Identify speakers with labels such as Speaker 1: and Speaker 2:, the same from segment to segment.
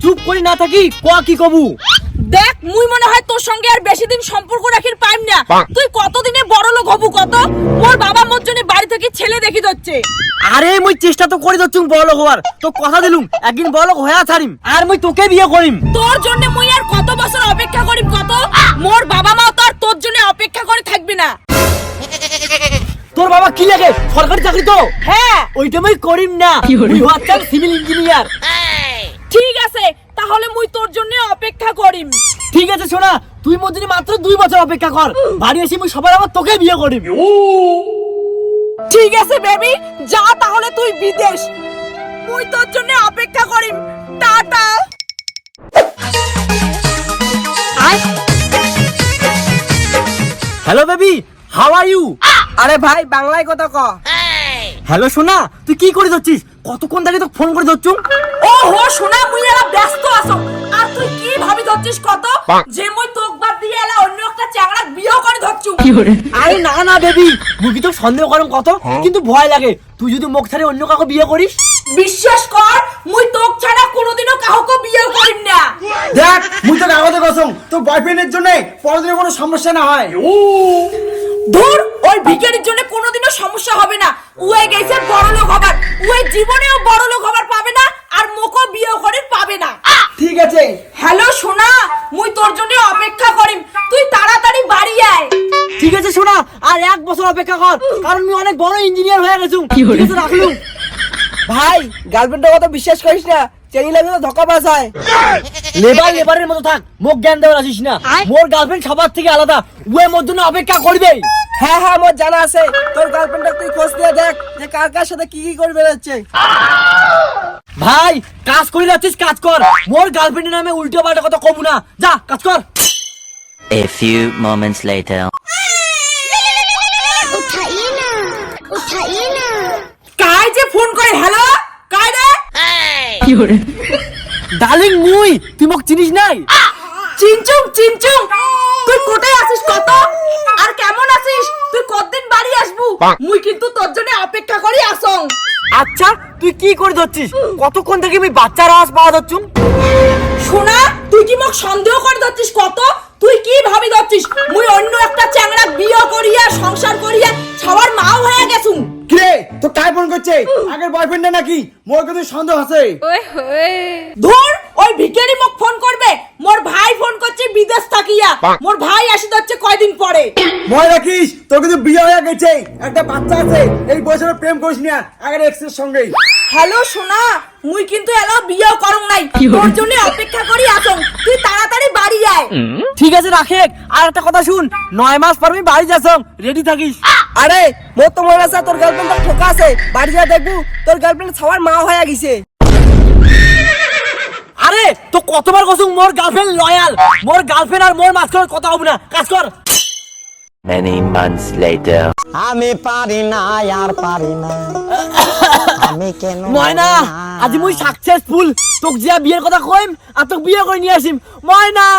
Speaker 1: চুপ করে না থাকি ক কি কবু।
Speaker 2: দেখ মুই মনে হয় তোর সঙ্গে আর বেশি দিন সম্পর্ক রাখির পাইম না। তুই কতদিনে বড় লোক হবু কত? মোর বাবা মোর জন্য বাড়ি থেকে ছেলে দেখি যাচ্ছে।
Speaker 1: আরে মুই চেষ্টা তো করে দচ্ছুম বড় লোক হওয়ার, তো কথা দিলুম একদিন বড় লোক হয়ে ছাড়িম, আর মুই তোকে বিয়ে করিম।
Speaker 2: তোর জন্য মুই আর কত বছর অপেক্ষা করিম কত? মোর বাবা মা তো আর তোর জন্য অপেক্ষা করে থাকবে না।
Speaker 1: তোর বাবা কি লাগে সরকারি চাকরি তো?
Speaker 2: হ্যাঁ
Speaker 1: ওইটা মুই করিম না, মুই হচ্ছাম সিভিল ইঞ্জিনিয়ার।
Speaker 2: ঠিক আছে তাহলে মুই তোর জন্য অপেক্ষা করিম।
Speaker 1: ঠিক আছে শোনা, তুই মোর জন্য মাত্র 2 বছর অপেক্ষা কর, বাড়ি এসে মুই সবার আবার তোকে বিয়ে করিম।
Speaker 2: ঠিক আছে বেবি, যা তাহলে তুই বিদেশ, মুই তোর জন্য অপেক্ষা করিম। Tata.
Speaker 1: Hello baby, how are you?
Speaker 3: আরে ভাই বাংলায় কথা ক।
Speaker 1: হ্যালো সোনা, তুই কি করে যাচ্ছিস? কতক্ষণ থেকে তোকে ফোন করে যাচ্ছু?
Speaker 2: ও হো শোনা, মুই এলা ব্যস্ত আছো। আর তুই কি ভাবি ধরছিস কত? যে মুই তোক বাদ দিয়ে এলা অন্য একটা চ্যাংড়া বিয়ে করে ধরছু।
Speaker 1: আরে না না বেবি, মুই কি তো সন্দেহ করম কত, কিন্তু ভয় লাগে তুই যদি মুখ ছাড়ে অন্য কাউকে বিয়ে করিস।
Speaker 2: বিশ্বাস কর মুই তোক ছাড়া কোনোদিনও কাউকে বিয়ে করিম না।
Speaker 3: দেখ মুই তো কাগজে কসম তোর বয়ফ্রেন্ডের জন্য পরদিনে কোনো সমস্যা না হয়।
Speaker 2: ধুর, ওই ভিখারির জন্য কোনোদিনও সমস্যা হবে না। উয়ে গেছে বড় লোক হবার, উয়ে জীবনেও বড় লোক হবার পাবে না, আর মোকো বিয়ে করে পাবে না।
Speaker 3: ঠিক আছে।
Speaker 2: হ্যালো সোনা, মুই তোর জন্য অপেক্ষা করিম, তুই তাড়াতাড়ি বাড়ি আয়।
Speaker 1: ঠিক আছে সোনা, আর 1 বছর অপেক্ষা কর, কারণ আমি অনেক বড় ইঞ্জিনিয়ার হয়ে গেছু। ঠিক আছে রাখলুম।
Speaker 3: ভাই গার্লফ্রেন্ডের কথা বিশ্বাস করিস না, চেনি লাগে তো ধোকা পাস হয়।
Speaker 1: লেবারের মতো থাক, মুখ জ্ঞান দেওয়ার আসিস না। মোর গার্লফ্রেন্ড সবার থেকে আলাদা, উয়ে মোর জন্য অপেক্ষা করবে।
Speaker 3: হ্যাঁ হ্যাঁ মোর জানা আছে, তোর গার্লফ্রেন্ডটা তুই খোঁজ দিয়ে দেখ যে কার কার সাথে কি কি করে বেড়াচ্ছে।
Speaker 1: ভাই কাজ করে যাচ্ছিস, কাজ কর। মোর গার্লফ্রেন্ডের নামে উল্টো পাল্টা কথা কমু না, যা কাজ কর।
Speaker 4: A few moments later.
Speaker 2: কাই যে ফোন করে? হ্যালো কাই রে?
Speaker 1: ডার্লিং মুই, তুই মোক চিনিস নাই?
Speaker 2: চিনচুং চিনচুং, তুই কোথায় আছিস কত? আর কেমন আছিস? তুই কতদিন বাড়ি আসবু? মুই কিন্তু তোর জন্য অপেক্ষা করি আসং।
Speaker 1: আচ্ছা তুই কি করে যাচ্ছিস? কতক্ষণ থেকে আমি বাচ্চার আওয়াজ পাওয়া যাচ্ছু?
Speaker 2: শোনা, তুই কি মোক সন্দেহ করে যাচ্ছিস কত? তুই কি ভাবি যাচ্ছিস মুই অন্য একটা চ্যাংড়া বিয়ে করিয়া সংসার করিয়া সবার মাও হয়ে গেছু?
Speaker 3: কিরে তো কাই ফোন করছে? আগের বয়ফ্রেন্ডটা নাকি? মোর কিন্তু সন্দেহ আছে।
Speaker 2: ধুর, ওই ভিখারি মোক ফোন করবে? মোর ভাই ফোন করছে বিদেশ থাকিয়া, মোর ভাই আসি যাচ্ছে কয়দিন পরে।
Speaker 3: মনে রাখিস তোর কিন্তু বিয়ে হয়ে গেছে, একটা বাচ্চা আছে। এই বয়সে প্রেম করিস না আগের এক্সের সঙ্গে।
Speaker 2: হ্যালো সোনা, মুই কিন্তু এলা বিয়ে করং নাই, তোর জন্য অপেক্ষা করি আসং, তুই তাড়াতাড়ি বাড়ি আয়।
Speaker 1: ঠিক আছে রাখে, আর একটা কথা শুন, 9 মাস পর আমি বাড়ি যাচ্ছং, রেডি থাকিস।
Speaker 3: আরে মোর তো মনে আছে তোর গার্লফ্রেন্ড তো ঠোকা আছে, বাড়ি যা দেখবো তোর গার্লফ্রেন্ড সবার মা হয়ে গেছে।
Speaker 1: আরে তো কতবার কসুং মোর গার্লফ্রেন্ড লয়াল, মোর গার্লফ্রেন্ড আর মোর মাঝখানে কথা হবে না, কাজ কর।
Speaker 4: Many months later.
Speaker 5: আমি পারি না আর পারি না, আমি কেন
Speaker 1: ময়না, আজ মুই সাকসেসফুল, তোক যে বিয়ের কথা কইম আর তোক বিয়ে করে নিয়ে আসিম। ময়না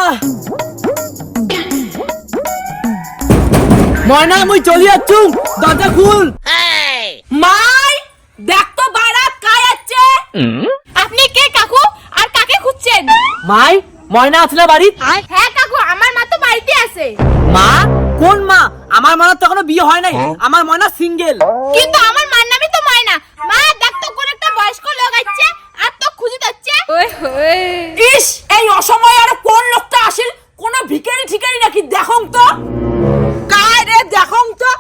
Speaker 1: ময়না মুই চলি যাচ্ছু, দরজা খুল।
Speaker 2: মাই দেখ তো বাইরে কাই আছে। আপনি কে কাকু, আর কাকে খুঁজছেন?
Speaker 1: মাই, ময়না আছে না বাড়ি?
Speaker 2: হ্যাঁ কাকু, আমার মা তো বাড়িতে আছে।
Speaker 1: মা? কোন মা? আমার ময়না তো এখনো বিয়ে হয় নাই, আমার ময়না সিঙ্গেল।
Speaker 2: কিন্তু আমার মার নামই তো ময়না। মা দেখ তো কোন একটা বয়স্ক লোক আছে আর তো খুঁজে যাচ্ছে। ইস, এই অসময়ে আর কোন লোকটা আসিল? কোন ভিখারি ঠিকারি নাকি? দেখং তো কাই রে, দেখং তো।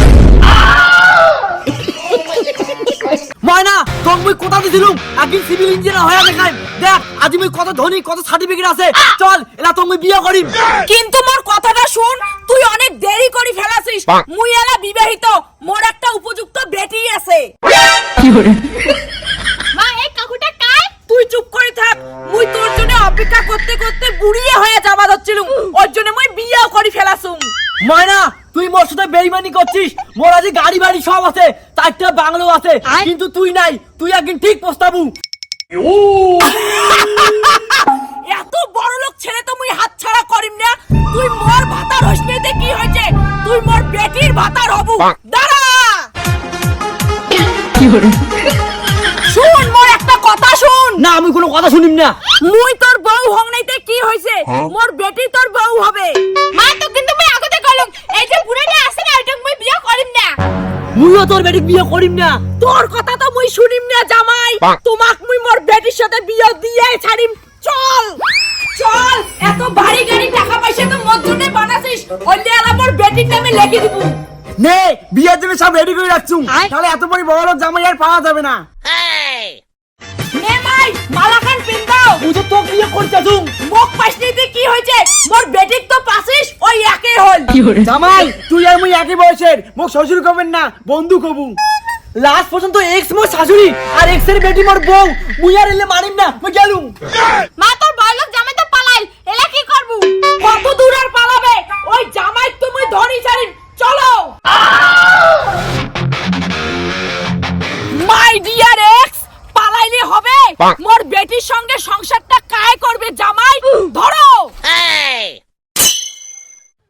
Speaker 1: ময়না তোক মুই কথা দিছিলুম একদিন সিভিল ইঞ্জিনিয়ার হয়ে দেখাই, দেখ আজ মুই কত ধনী, কত সার্টিফিকেট আছে। চল এলা তোক মুই বিয়ে করিম।
Speaker 2: কিন্তু মোর কথাটা শুন, তুই অনেক দেরি করে ফেলাছিস। মুই এলা বিবাহিত, মোর একটা উপযুক্ত বেটি আছে। মা এই কাকুটা কাই? তুই চুপ করে থাক, মুই তোর জন্য অপেক্ষা করতে করতে বুড়িয়ে হয়ে যাবা যাচ্ছিলুম, ওর জন্য মুই বিয়েও করে ফেলাছুম।
Speaker 1: ময়না তুই মোর সাথে বেইমানি করছিস, মোর আজ গাড়ি বাড়ি সব আছে, 4টা বাংলো আছে, কিন্তু তুই নাই। তুই একদিন ঠিক পস্তাবু।
Speaker 2: এত বড় লোক ছেলে তো মুই হাত ছাড়া করিম না। তুই মোর ভাতার হইতে কি হয়েছে? তুই মোর বেটির ভাতার হবু। দাঁড়া, শুন মোর একটা কথা শুন।
Speaker 1: না আমি কোনো কথা শুনিম না।
Speaker 2: মুই তোর বউ হং নাইতে কি হইছে, মোর বেটি তোর বউ হবে। মা তো কিন্তু মুই আগতে কলম, এই যে বুড়াটা আছে না এটা মুই বিয়ে করিম না।
Speaker 1: মুইও তোর বেটিক বিয়ে করিম না।
Speaker 2: তোর কথা তো মুই শুনিম না জামাই, তোমাক মুই মোর বেটির সাথে বিয়ে দিয়ে ছাড়িম। চল চল, এত ভারী গাড়ি টাকা পয়সা তো মোর জন্য বানাছিস, ওইলে আর মোর বেটির নামে লিখে দিব।
Speaker 3: নে বিয়ের জন্য সব রেডি করে রাখছুম, তাহলে এত বড় লোক জামাই আর পাওয়া যাবে না।
Speaker 2: নে মাই মালাখান পিন্দাও,
Speaker 1: মুই তো তোকে বিয়ে করতে আসুম।
Speaker 2: মুখ পাশনিতে কি হয়েছে, মোর বেটিক তো পাছিস ওই একই হল।
Speaker 3: জামাই তুই আর মুই একই বয়সের, মোক শ্বশুর কবেন না বন্ধু কবু।
Speaker 1: লাস্ট পর্যন্ত এক্স মোর শাশুড়ি আর এক্স এর বেটি মোর বউ, মুই আর এলে মানিম না, মুই গেলুম।
Speaker 2: মা তোর বড়লোক জামাই তো পালাইল, এলা কি করবু? কত দূর আর পালাবে, ওই জামাই তো মুই ধরি ছাড়িম। চলো মাই ডিয়ার এক্স, পালাইলে হবে? মোর বেটির সঙ্গে সংসারটা কায় করবে জামাই?